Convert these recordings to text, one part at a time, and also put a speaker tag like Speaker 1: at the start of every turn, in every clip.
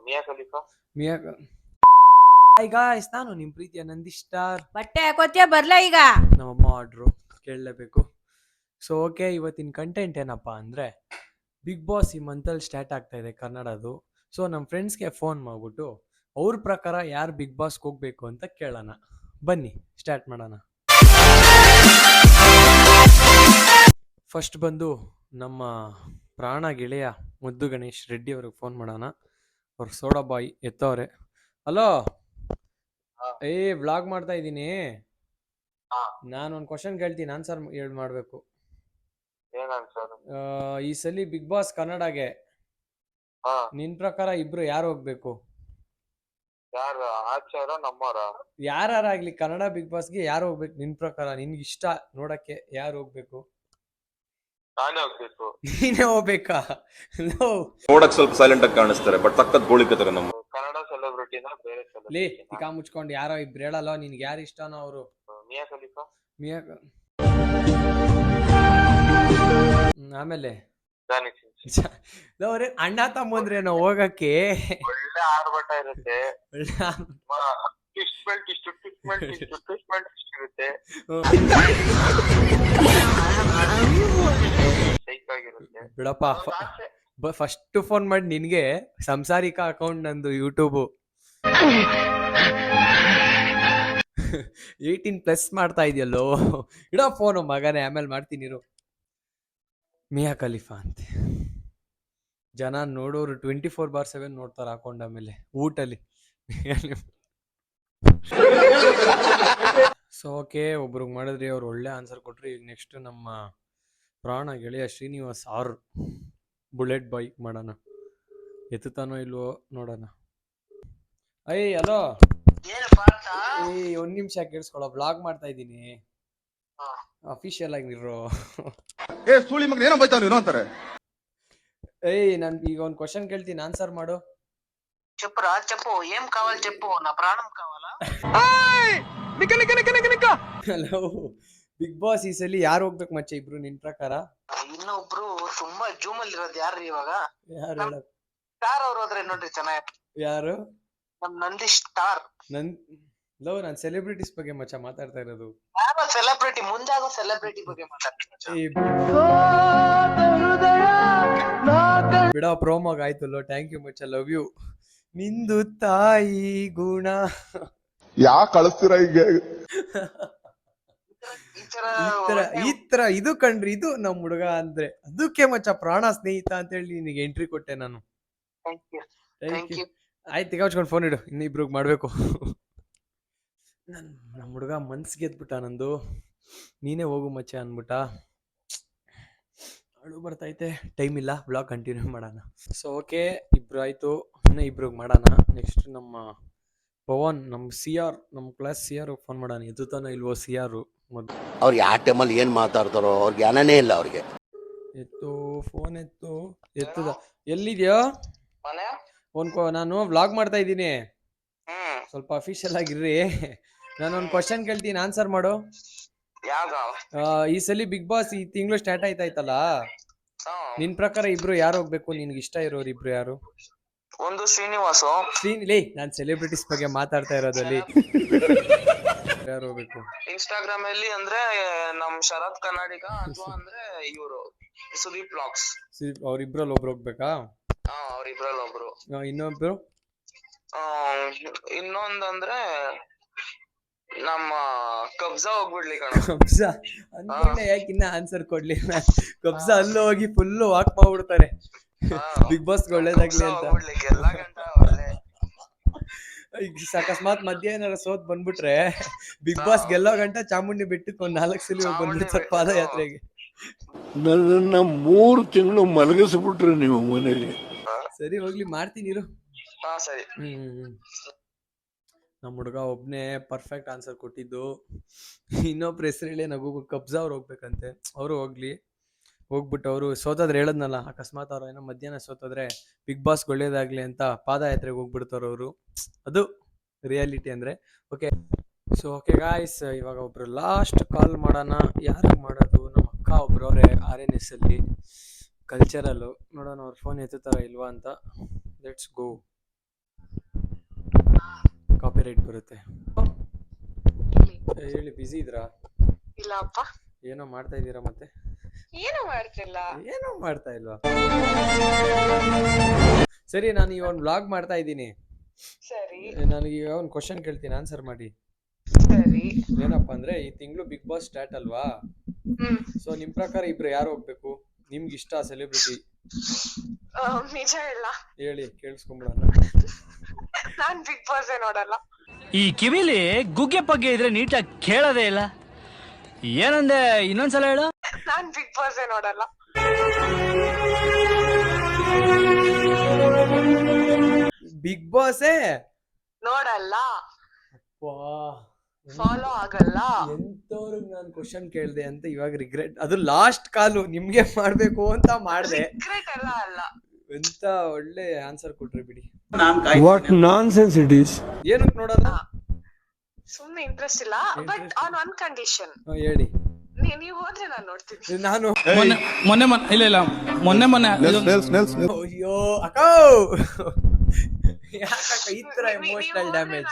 Speaker 1: ಮಿಯಾ Khalifa.
Speaker 2: Mia hi guys, ನಾನು ನಿಮ್ಮ ಪ್ರೀತಿಯ ನಂದೀಶ್ ಸ್ಟಾರ್.
Speaker 3: ಬಟ್ಟೆ ಹಾಕೋತಿಯ ಬರ್ಲ ಈಗ?
Speaker 2: ನಮ್ಮಮ್ಮ ಆರ್ಡ್ರು ಕೇಳಲೇಬೇಕು. ಸೊ ಓಕೆ, ಇವತ್ತಿನ ಕಂಟೆಂಟ್ ಏನಪ್ಪ ಅಂದರೆ, ಬಿಗ್ ಬಾಸ್ ಈ ಮಂತಲ್ಲಿ ಸ್ಟಾರ್ಟ್ ಆಗ್ತಾ ಇದೆ ಕನ್ನಡದು. ಸೊ ನಮ್ಮ ಫ್ರೆಂಡ್ಸ್ಗೆ ಫೋನ್ ಮಾಡಿಬಿಟ್ಟು ಅವ್ರ ಪ್ರಕಾರ ಯಾರು ಬಿಗ್ ಬಾಸ್ಗೆ ಹೋಗ್ಬೇಕು ಅಂತ ಕೇಳೋಣ. ಬನ್ನಿ ಸ್ಟಾರ್ಟ್ ಮಾಡೋಣ. ಫಸ್ಟ್ ಬಂದು ನಮ್ಮ ಪ್ರಾಣ ಗೆಳೆಯ ಮುದ್ದು ಗಣೇಶ್ ರೆಡ್ಡಿ ಅವ್ರಿಗೆ ಫೋನ್ ಮಾಡೋಣ. ಅವ್ರ ಸೋಡಾ ಬಾಯ್ ಎತ್ತವ್ರೆ. ಹಲೋ, ಏ ವ್ಲಾಗ್ ಮಾಡ್ತಾ ಇದ್ದೀನಿ. ನಾನು ಒಂದು ಕ್ವಶನ್ ಕೇಳ್ತೀನಿ, ಆನ್ಸರ್ ಮಾಡಬೇಕು. ಈ ಸಲ ಬಿಗ್ ಬಾಸ್ ಕನ್ನಡಗೆ ನಿನ್ ಪ್ರಕಾರ ಇಬ್ರು ಯಾರು ಹೋಗ್ಬೇಕು? ಯಾರಾಗ್ಲಿ ಕನ್ನಡ ಬಿಗ್ ಬಾಸ್ಗೆ ಯಾರು ಹೋಗ್ಬೇಕು ನಿನ್ ಪ್ರಕಾರ? ನಿನ್ಗೆ ಇಷ್ಟ ನೋಡಕ್ಕೆ ಯಾರು ಹೋಗ್ಬೇಕು?
Speaker 1: ನಾನೇ ಹೋಗ್ಬೇಕು.
Speaker 2: ನೀನೇ ಹೋಗ್ಬೇಕಾ?
Speaker 4: ನೋಡಕ್ ಸ್ವಲ್ಪ ಸೈಲೆಂಟ್ ಆಗಿ ಕಾಣಿಸ್ತಾರೆ, ಬಟ್ ಸಖತ್ ಗೋಳಿಕತಾರೆ ನಮ್ಮ
Speaker 1: ಕನ್ನಡ ಸೆಲೆಬ್ರಿಟಿನ ಬೇರೆ
Speaker 2: ಲೇ ತಿಕಾ ಮುಚ್ಕೊಂಡು ಯಾರೋ ಇಬ್ರು ಹೇಳಲ್ಲ, ನಿನ್ಗೆ ಯಾರು ಇಷ್ಟನೋ ಅವರು.
Speaker 1: ಮಿಯಾ ಖಲೀಫಾ.
Speaker 2: ಮಿಯಾ ಆಮೇಲೆ ಅವ್ರೆ ಅಣ್ಣ ತಮ್ಮಂದ್ರೇನೋ ಹೋಗಕ್ಕೆ
Speaker 1: ಒಳ್ಳೆ ಆರ್ಭಟ ಇರುತ್ತೆ. ಇರುತ್ತೆ.
Speaker 2: ಬಿಡಪ್ಪ. ಫಸ್ಟ್ ಫೋನ್ ಮಾಡಿ ನಿನ್ಗೆ ಸಂಸಾರಿಕ ಅಕೌಂಟ್ ನಂದು ಯೂಟ್ಯೂಬು 18+ ಮಾಡ್ತಾ ಇದೆಯಲ್ಲೋ. ಇಡೋ ಫೋನು ಮಗನೇ, ಆಮೇಲೆ ಮಾಡ್ತೀನಿ. ಮಿಯಾ ಖಲೀಫಾ ಅಂತೆ ಜನ ನೋಡೋರು 24/7 ನೋಡ್ತಾರೆ ಹಾಕೊಂಡ. ಆಮೇಲೆ ಊಟಲ್ಲಿ ಸೊ ಓಕೆ, ಒಬ್ರಿಗೆ ಮಾಡಿದ್ರಿ, ಅವ್ರು ಒಳ್ಳೆ ಆನ್ಸರ್ ಕೊಟ್ರಿ. ಈಗ ನೆಕ್ಸ್ಟ್ ನಮ್ಮ ಪ್ರಾಣ ಗೆಳೆಯ ಶ್ರೀನಿವಾಸ್ ಆರ್ ಬುಲೆಟ್ ಬೈಕ್ ಮಾಡೋಣ. ಎತ್ತುತ್ತಾನೋ ಇಲ್ವೋ ನೋಡೋಣ. ಅಯ್ಯ ಹಲೋ, ಒಂದ್ ನಿಮಿಷ ಕೇಳಿಸ್ಕೊಳ್ಳೋ, ಬ್ಲಾಗ್ ಮಾಡ್ತಾ ಇದ್ದೀನಿ. ಅಫಿಷಿಯಲ್ ಆಗಿ ಇರೋ. ಏಯ್ ನಾನು ಈಗ ಒಂದು ಕ್ವಶನ್ ಕೇಳ್ತೀನಿ, ಆನ್ಸರ್ ಮಾಡು.
Speaker 5: చెప్పురా చెప్పు ఏం కావాలి చెప్పు నా ప్రాణం కావాలా
Speaker 2: ಹಲೋ, ಬಿಗ್ ಬಾಸ್ ಈ ಸಲ ಯಾರು ಹೋಗ್ಬೇಕು ಮಚ್ಚ ಇಬ್ರು ನಿನ್ ಪ್ರಕಾರ?
Speaker 5: ಇನ್ನೊಬ್ರು ತುಂಬಾ ಜೂಮ್ ಅಲ್ಲಿ ಇರೋದು ಯಾರು ಇವಾಗ?
Speaker 2: ಯಾರು ಹೇಳ?
Speaker 5: ಸ್ಟಾರ್ ಅವ್ರು ಹೋದ್ರೆ ನೋಡ್ರಿ ಚೆನ್ನಾಗಿ.
Speaker 2: ಯಾರು?
Speaker 5: ನಮ್ ನಂದೀಶ್ ಸ್ಟಾರ್.
Speaker 2: ನಾನು ಸೆಲೆಬ್ರಿಟೀಸ್ ಬಗ್ಗೆ ಮಚ್ಚ ಮಾತಾಡ್ತಾ ಇರೋದು.
Speaker 5: ಯಾರೋ ಸೆಲೆಬ್ರಿಟಿ, ಮುಂದಾಗೋ ಸೆಲೆಬ್ರಿಟಿ ಬಗ್ಗೆ ಮಾತಾಡ್ತೀನಿ.
Speaker 2: ಬಿಡ, ಪ್ರೋಮೋಗ್ ಆಯ್ತಲ್ಲೋ. ಥ್ಯಾಂಕ್ ಯು ಮಚ್ಚ, ಲವ್ ಯು. ನಿಂದು ತಾಯಿ ಗುಣ
Speaker 6: ಯಾ ಕಳಿಸ್ತೀರ ಈಗ?
Speaker 2: ಈ ತರ ಇದು ಕಂಡ್ರಿ, ಇದು ನಮ್ ಹುಡುಗ ಅಂದ್ರೆ ಅದಕ್ಕೆ ಮಚ್ಚ ಪ್ರಾಣ ಸ್ನೇಹಿತ ಅಂತ ಹೇಳಿ ನಿನಗೆ ಎಂಟ್ರಿ ಕೊಟ್ಟೆ ನಾನು. Thank you. ಆಯ್ತು, ಈಗ ಹಚ್ಕೊಂಡು ಫೋನ್ ಇಡು, ಇನ್ನಿಬ್ರಿಗೆ ಮಾಡ್ಬೇಕು. ನಮ್ಮ ಹುಡುಗ ಮನ್ಸ್ ಗೆದ್ಬಿಟ್ಟ ನಂದು. ನೀನೇ ಹೋಗು ಮಚ್ಚ ಅನ್ಬಿಟ್ಟ. ಅಳು ಬರ್ತೈತೆ, ಟೈಮ್ ಇಲ್ಲ. ಬ್ಲಾಗ್ ಕಂಟಿನ್ಯೂ ಮಾಡೋಣ. ಸೊ ಓಕೆ, ಇಬ್ರು ಆಯ್ತು, ಇನ್ನೂ ಇಬ್ರಿಗೆ ಮಾಡೋಣ. ನೆಕ್ಸ್ಟ್ ನಮ್ಮ ಪವನ್, ನಮ್ಮ CR, ನಮ್ಮ ಕ್ಲಾಸ್ CR ಫೋನ್ ಮಾಡೋಣ. ಎತ್ತುತ್ತಾನೋ ಇಲ್ವೋ CR?
Speaker 7: ಅವ್ರು ಯಾವ ಟೈಮಲ್ಲಿ ಏನ್ ಮಾತಾಡ್ತಾರೋ ಅವ್ರಿಗೆ ಜ್ಞಾನನೇ ಇಲ್ಲ ಅವ್ರಿಗೆ.
Speaker 2: ಎತ್ತು, ಫೋನ್ ಎತ್ತುದ. ಎಲ್ಲಿದ್ಯೋ? ನಾನು ವ್ಲಾಗ್ ಮಾಡ್ತಾ ಇದ್ದೀನಿ, ಸ್ವಲ್ಪ ಅಫಿಷಿಯಲ್ ಆಗಿರ್ರಿ. ನಾನೊಂದು ಕ್ವಶನ್ ಕೇಳ್ತೀನಿ, ಆನ್ಸರ್ ಮಾಡು. ಈ ಸಲ ಬಿಗ್ ಬಾಸ್ ಈ ತಿಂಗಳು ಸ್ಟಾರ್ಟ್ ಆಯ್ತಾಯ್ತಲ್ಲ, ನಿನ್ ಪ್ರಕಾರ ಇಬ್ರು ಯಾರು ಹೋಗ್ಬೇಕು? ನಿನ್ಗೆ ಇಷ್ಟ ಇರೋರು ಇಬ್ರು ಯಾರು?
Speaker 5: ಒಂದು ಶ್ರೀನಿವಾಸು.
Speaker 2: ಲೇ, ನಾನ್ ಸೆಲೆಬ್ರಿಟೀಸ್ ಬಗ್ಗೆ ಮಾತಾಡ್ತಾ ಇರೋದಲ್ಲಿ. ಯಾರು ಹೋಗ್ಬೇಕು?
Speaker 5: ಇನ್ಸ್ಟಾಗ್ರಾಮ್ ಅಲ್ಲಿ ಅಂದ್ರೆ ನಮ್ ಶರತ್ ಕನ್ನಡಿಗ, ಅಥವಾ ಅಂದ್ರೆ ಇವರು ಸುದೀಪ್ ಬ್ಲಾಗ್ಸ್.
Speaker 2: ಅವ್ರಿಬ್ರಲ್ಲಿ ಒಬ್ರು ಹೋಗ್ಬೇಕಾ?
Speaker 5: ಅವ್ರಿಬ್ರಲ್ಲಿ ಒಬ್ರು.
Speaker 2: ಇನ್ನೊಬ್ರು?
Speaker 5: ಇನ್ನೊಂದಂದ್ರೆ ನಮ್ಮ ಕಬ್ಜಾ ಹೋಗ್ಬಿಡ್ಲಿ ಕಣ.
Speaker 2: ಕಬ್ಜಾ ಅನ್ಕೊಂಡೆ, ಯಾಕೆ ಇನ್ನ ಆನ್ಸರ್ ಕೊಡ್ಲಿ. ಕಬ್ಜಾ ಅಲ್ಲೂ ಹೋಗಿ ಫುಲ್ ವಾಕ್ ಮಾಡ್ಬಿಡ್ತಾರೆ ಬಿಗ್ ಬಾಸ್ ಒಳ್ಳೇದಾಗ್ಲಿ ಅಂತ. ಅಕಸ್ಮಾತ್ ಮಧ್ಯ ಏನಾರ ಸೋತ್ ಬಂದ್ಬಿಟ್ರೆ ಬಿಗ್ ಬಾಸ್ ಗೆಲ್ಲೋ ಗಂಟ ಚಾಮುಂಡಿ ಬೆಟ್ಟಕ್ಕೆ ಒಂದ್ 4 ಸಲ ಬಂದ್ಬಿಡ್ತಾರೆ ಪಾದಯಾತ್ರೆಗೆ.
Speaker 8: ನನ್ನ 3 ತಿಂಗಳು ಮಲಗಿಸ್ಬಿಟ್ರಿ ನೀವು ಮನೇಲಿ.
Speaker 2: ಸರಿ ಹೋಗ್ಲಿ, ಮಾಡ್ತೀನಿ ಇರು.
Speaker 5: ಸರಿ.
Speaker 2: ನಮ್ಮ ಹುಡುಗ ಒಬ್ನೇ ಪರ್ಫೆಕ್ಟ್ ಆನ್ಸರ್ ಕೊಟ್ಟಿದ್ದು. ಇನ್ನೊಬ್ರು ಹೆಸರು ಹೇಳಿ ನಗು. ಕಬ್ಜಾ ಅವ್ರು ಹೋಗ್ಬೇಕಂತೆ. ಅವರು ಹೋಗ್ಬಿಟ್ಟು ಅವರು ಸೋತೋದ್ರೆ ಹೇಳದ್ನಲ್ಲ, ಅಕಸ್ಮಾತ್ ಅವ್ರು ಏನೋ ಮಧ್ಯಾಹ್ನ ಸೋತೋದ್ರೆ ಬಿಗ್ ಬಾಸ್ ಒಳ್ಳೇದಾಗ್ಲಿ ಅಂತ ಪಾದಯಾತ್ರೆಗೆ ಹೋಗ್ಬಿಡ್ತಾರ ಅವರು. ಅದು ರಿಯಾಲಿಟಿ ಅಂದ್ರೆ. ಓಕೆ, ಸೊ ಓಕೆ ಗಾಯ್ಸ್, ಇವಾಗ ಒಬ್ರು ಲಾಸ್ಟ್ ಕಾಲ್ ಮಾಡೋಣ. ಯಾರಿಗೆ ಮಾಡೋದು? ನಮ್ಮ ಅಕ್ಕ ಒಬ್ರು ಅವರೇ RNS ಅಲ್ಲಿ ಕಲ್ಚರಲ್ಲು. ನೋಡೋಣ ಅವ್ರ ಫೋನ್ ಎತ್ತುತ್ತಾರ ಇಲ್ವಾ ಅಂತ. Let's go. ರೇಟ್ ಬರುತ್ತೆ. ಹೇಳಿ, ಬಿಸಿ ಇದ್ರಾ?
Speaker 3: ಇಲ್ಲಪ್ಪ,
Speaker 2: ಏನೋ ಮಾಡ್ತಾ ಇದ್ದೀರಾ ಮತ್ತೆ?
Speaker 3: ಏನು ಮಾಡ್ತಿಲ್ಲ.
Speaker 2: ಏನೋ ಮಾಡ್ತಾ ಇಲ್ವಾ? ಸರಿ, ನಾನು ಈಗ ಒಂದು ವ್ಲಾಗ್ ಮಾಡ್ತಾ ಇದ್ದೀನಿ.
Speaker 3: ಸರಿ
Speaker 2: ನನಗೀಗ ಒಂದು ಕ್ವಶನ್ ಕೇಳ್ತೀನಿ, ಆನ್ಸರ್ ಮಾಡಿ.
Speaker 3: ಸರಿ.
Speaker 2: ಏನಪ್ಪಾ ಅಂದ್ರೆ, ಈ ತಿಂಗಳು ಬಿಗ್ ಬಾಸ್ ಸ್ಟಾರ್ಟ್ ಅಲ್ವಾ?
Speaker 3: ಹ್ಮ್.
Speaker 2: ಸೊ ನಿಮ್ ಪ್ರಕಾರ ಇಬ್ರು ಯಾರು ಹೋಗ್ಬೇಕು? ನಿಮ್ಗೆ ಇಷ್ಟ ಸೆಲೆಬ್ರಿಟಿ
Speaker 3: ನಿಜ ಇಲ್ಲ,
Speaker 2: ಹೇಳಿ, ಕೇಳಿಸ್ಕೊಂಬಿಡೋಣ.
Speaker 3: ನಾನ್ ಬಿಗ್ ಬಾಸ್ ನೋಡಲ್ಲ.
Speaker 9: ಈ ಕಿವಿಲಿ ಗುಗ್ಗೆ ಪಗ್ಗೆ ಇದ್ರೆ ನೀಟಾಗಿ ಕೇಳೋದೇ ಇಲ್ಲ. ಏನಂದೆ, ಇನ್ನೊಂದ್ಸಲ ಹೇಳು.
Speaker 3: ನಾನ್ ಬಿಗ್ ಬಾಸ್ ನೋಡಲ್ಲ.
Speaker 2: ಬಿಗ್ ಬಾಸೇ
Speaker 3: ನೋಡಲ್ಲ,
Speaker 2: ವಾ,
Speaker 3: ಫಾಲೋ ಆಗಲ್ಲ.
Speaker 2: ಎಂತವ್ರಿಗೆ ನಾನು ಕ್ವಶನ್ ಕೇಳ್ದೆ ಅಂತ ಇವಾಗ ರಿಗ್ರೆಟ್. ಅದು ಲಾಸ್ಟ್ ಕಾಲು ನಿಮ್ಗೆ ಮಾಡ್ಬೇಕು ಅಂತ ಮಾಡ್ದೆ.
Speaker 3: ಸೀಕ್ರೆಟ್ ಎಲ್ಲ ಅಲ್ಲ.
Speaker 2: ಎಂತ ಒಳ್ಳೆ ಆನ್ಸರ್ ಕೊಟ್ರಿ ಬಿಡಿ.
Speaker 8: What nonsense it is.
Speaker 2: ಏನಕ್ಕೆ ನೋಡಲ್ಲ?
Speaker 3: ಸುಮ್ನೆ ಇಂಟ್ರೆಸ್ಟ್ ಇಲ್ಲ, ಬಟ್ ಆನ್ ಒನ್ ಕಂಡೀಷನ್.
Speaker 2: ಹೇಳಿ.
Speaker 3: ನೀವ್ ಹೋದ್ರೆ ನಾನ್ ನೋಡ್ತೀನಿ.
Speaker 2: ನಾನು
Speaker 9: ಮೊನ್ನೆ
Speaker 2: ಅಯ್ಯೋ ಅಕ್ಕ, ಯಾಕಕ್ಕ ಈ ತರ ಎಮೋಷನಲ್ ಡ್ಯಾಮೇಜ್?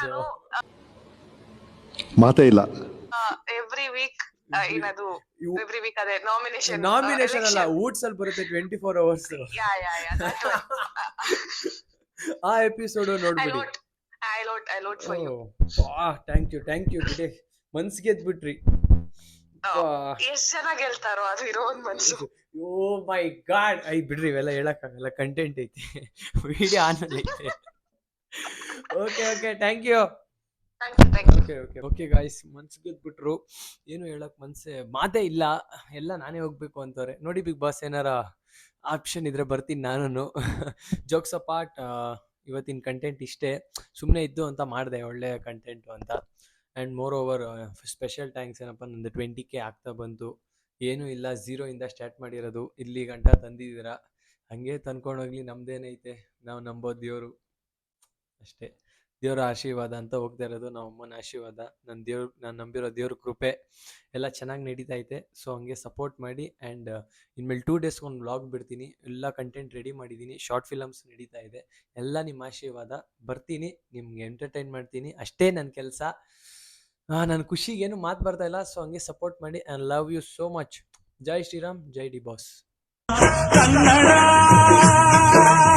Speaker 6: ಮಾತೇ ಇಲ್ಲ.
Speaker 3: ಎವ್ರಿ ವೀಕ್ ಏನದು, ಎವ್ರಿ ವೀಕ್ ಅದೇ ನಾಮಿನೇಷನ್
Speaker 2: ಅಲ್ಲ, ಊಟ್ಸಲ್ಲಿ ಬರುತ್ತೆ 24 hours. ಆ ಎಪಿಸೋಡ್ ನೋಡ್ಬಿಡಿ.
Speaker 3: I load for you.
Speaker 2: Thank you ಬಿಡಿ, ಮನ್ಸ್ ಗೆದ್ಬಿಟ್ರಿ.
Speaker 3: ಎಷ್ಟ್ ಜನ ಗೆಲ್ತಾರೋ ಅದು ಇರೋ ಒಂದ್ ಮನ್ಸು.
Speaker 2: ಓ ಮೈ ಗಾಡ್, ಬಿಡ್ರಿ, ಇವೆಲ್ಲ ಹೇಳಕ್ಕಾಗಲ್ಲ, ಕಂಟೆಂಟ್ ಐತಿ, ವಿಡಿಯೋ ಆನ್ ಐತೆ. Okay thank you. Okay guys, ಮನ್ಸ್ ಗೆದ್ಬಿಟ್ರು, ಏನು ಹೇಳಕ್ ಮಾತೇ ಇಲ್ಲ, ಎಲ್ಲ ನಾನೇ ಹೋಗ್ಬೇಕು ಅಂತವ್ರೆ. ನೋಡಿ ಬಿಗ್ ಬಾಸ್, ಏನಾರ ಆಪ್ಷನ್ ಇದ್ರೆ ಬರ್ತೀನಿ ನಾನು. ಜೋಕ್ಸ್ ಅಪಾರ್ಟ್, ಇವತ್ತಿನ ಕಂಟೆಂಟ್ ಇಷ್ಟೇ. ಸುಮ್ಮನೆ ಇದ್ದು ಅಂತ ಮಾಡಿದೆ, ಒಳ್ಳೆ ಕಂಟೆಂಟು ಅಂತ. And moreover special thanks. ಏನಪ್ಪ, ನಂದು 20K ಆಗ್ತಾ ಬಂತು. ಏನೂ ಇಲ್ಲ, 0 ಇಂದ ಸ್ಟಾರ್ಟ್ ಮಾಡಿರೋದು, ಇಲ್ಲಿ ಗಂಟ ತಂದಿದ್ದೀರಾ. ಹಾಗೆ ತಂದ್ಕೊಂಡೋಗ್ಲಿ, ನಮ್ದೇನೈತೆ, ನಾವು ನಂಬೋದು ದೇವರು ಅಷ್ಟೇ. ದೇವರ ಆಶೀರ್ವಾದ ಅಂತ ಹೋಗ್ತಾ ಇರೋದು, ನಮ್ಮ ಅಮ್ಮನ ಆಶೀರ್ವಾದ, ನಾನು ನಂಬಿರೋ ದೇವ್ರ ಕೃಪೆ ಎಲ್ಲ ಚೆನ್ನಾಗಿ ನಡೀತಾ ಐತೆ. ಸೊ ಹಂಗೆ ಸಪೋರ್ಟ್ ಮಾಡಿ. ಆ್ಯಂಡ್ ಇನ್ಮೇಲೆ 2 days ಒಂದು ವ್ಲಾಗ್ ಬಿಡ್ತೀನಿ. ಎಲ್ಲ ಕಂಟೆಂಟ್ ರೆಡಿ ಮಾಡಿದ್ದೀನಿ, ಶಾರ್ಟ್ ಫಿಲಮ್ಸ್ ನಡೀತಾ ಇದೆ. ಎಲ್ಲ ನಿಮ್ಮ ಆಶೀರ್ವಾದ. ಬರ್ತೀನಿ, ನಿಮ್ಗೆ ಎಂಟರ್ಟೈನ್ ಮಾಡ್ತೀನಿ, ಅಷ್ಟೇ ನನ್ನ ಕೆಲಸ. ನನ್ನ ಖುಷಿಗೇನು ಮಾತು ಬರ್ತಾ ಇಲ್ಲ. ಸೊ ಹಂಗೆ ಸಪೋರ್ಟ್ ಮಾಡಿ. And love you so much. ಜೈ ಶ್ರೀರಾಮ್, ಜೈ ಡಿ ಬಾಸ್.